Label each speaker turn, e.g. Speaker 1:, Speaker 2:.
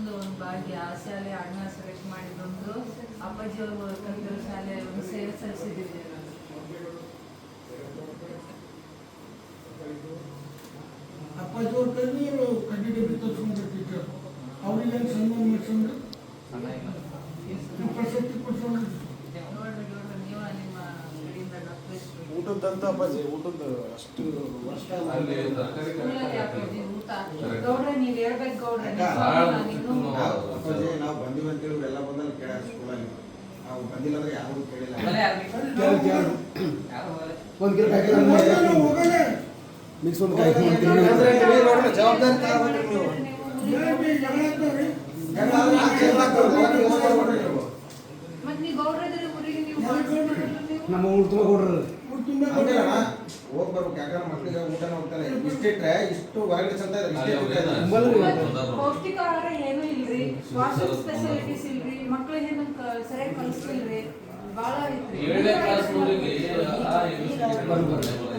Speaker 1: ಒಂದು ಭಾಗ್ಯ ಆ ಶಾಲೆ ಅಣ್ಣ ಸೆಲೆಕ್ಟ್ ಮಾಡಿದೊಂದು ಅಪ್ಪಾಜಿಯವರು ಕಲಿತಿರೋ ಶಾಲೆ ಒಂದು ಸೇವೆ ಸಲ್ಲಿಸಿದ್ದೇನೆ ನಾನು.
Speaker 2: ಅಪ್ಪಾಜಿಯವ್ರ ಕೈಲಿ ಕಂಟಿನ್ಯೂ ತರಿಸ್ಕೊಂಡ್ರೆ ಟೀಚರ್ ಅವ್ರಿಗೆ ಸನ್ಮಾನ ಮಾಡಿಸ್ಕೊಂಡ್ರೆ ಪ್ರಶಸ್ತಿ ಕೊಡ್ಸೋಣ.
Speaker 1: ನೀವು ನಿಮ್ಮ ಕಡೆಯಿಂದ
Speaker 3: ಊಟದಂತ ಅಪ್ಪಾಜಿ ಊಟದ ಅಷ್ಟು
Speaker 1: ಗೌಡ್ರೆ ನೀವು ಹೇಳ್ಬೇಕು ಗೌಡ್ರೆ
Speaker 4: ಅಪ್ಪಾಜಿ ನಾವು ಬಂದಿವಿ ಅಂತೇಳಿ ಎಲ್ಲ ಬಂದಲ್ಲಿ ಕೇಳ ಸ್ಕೂಲಲ್ಲಿ ನಾವು ಬಂದಿಲ್ಲ ಅಂದ್ರೆ ಯಾರು ಕೇಳಿಲ್ಲ.
Speaker 3: ಒಂದು ಕಿಲೋ ಮಿಕ್ಸ್ ಒಂದು ಜವಾಬ್ದಾರಿ ತಗೋಬೇಕು ನೀವು.
Speaker 1: ಮತ್ತೆ ನೀವು ಗೌಡ್ರದ್ರೆ ಊರಿಗೆ ನೀವು
Speaker 3: ನಮ್ಮ ಊರು ತುಂಬ ಕೊಡ್ರಿ
Speaker 4: ಹೋಗಿ ಬರ್ಬೇಕು. ಯಾಕಂದ್ರೆ ಮಕ್ಕಳಿಗೆ ಊಟನ ಹೋಗ್ತಾರೆ ಇಷ್ಟಿಟ್ರೆ ಇಷ್ಟು ಹೊರಗಡೆ ಚಂದ
Speaker 1: ಪೌಷ್ಟಿಕ ಆಹಾರ ಏನೂ ಇಲ್ರಿ, ವಾಷಿಂಗ್ ಫೆಸಿಲಿಟೀಸ್ ಇಲ್ರಿ, ಮಕ್ಕಳಿಗೆ ಸರಿಯಾಗಿ ಕಲಿಸ್ತಿಲ್ರಿ, ಭಾಳ ಐತ್ರಿ.